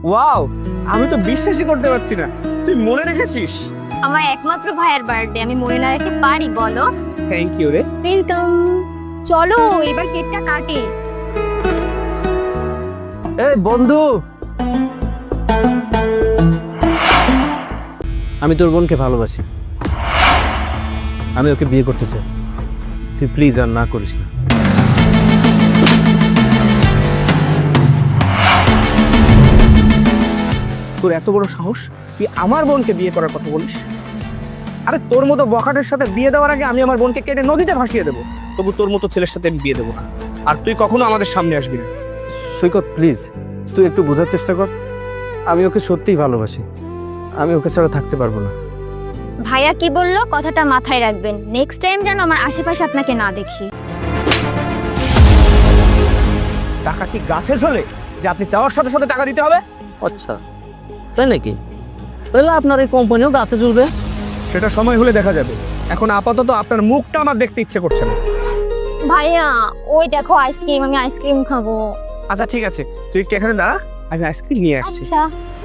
Wow, আমি তো বিশ্বাসই করতে পারছি না তুই মনে রেখেছিস। আমার একমাত্র ভাইয়ের বার্থডে আমি মনে না রাখতে পারি বলো? থ্যাংক ইউ রে। ওয়েলকাম। চলো এবার কেকটা কাটে। এই বন্ধু, আমি তোর বোনকে ভালোবাসি, আমি ওকে বিয়ে করতে চাই, তুই প্লিজ আর না করিস না। তোর এত বড় সাহস, তুই আমার বোনকে বিয়ে করার কথা বলিস? আরে তোর মতো বখাটের সাথে বিয়ে দেওয়ার আগে আমি আমার বোনকে কেটে নদীতে ভাসিয়ে দেবো, তবু তোর মতো ছেলের সাথে আমি বিয়ে দেবো না। আর তুই কখনো আমাদের সামনে আসবি না। সৈকত প্লিজ, তুই একটু বোঝার চেষ্টা কর, আমি ওকে সত্যিই ভালোবাসি, আমি ওকে ছাড়া থাকতে পারবো না। ভাইয়া কি বললো কথাটা মাথায় রাখবেন, নেক্সট টাইম যেন আমার আশেপাশে আপনাকে না দেখি। টাকা কি গাছে ঝোলে যে আপনি চাওয়ার সাথে সাথে টাকা দিতে হবে? আচ্ছা, তাই নাকি? তাহলে আপনার এই কোম্পানিও গাছে চলবে? সেটা সময় হলে দেখা যাবে, এখন আপাতত আপনার মুখটা আমার দেখতে ইচ্ছে করছে না। ভাইয়া ওই দেখো আইসক্রিম, আমি আইসক্রিম খাবো। আচ্ছা ঠিক আছে, তুই একটু এখানে দাঁড়া, আমি আইসক্রিম নিয়ে আসছি। আচ্ছা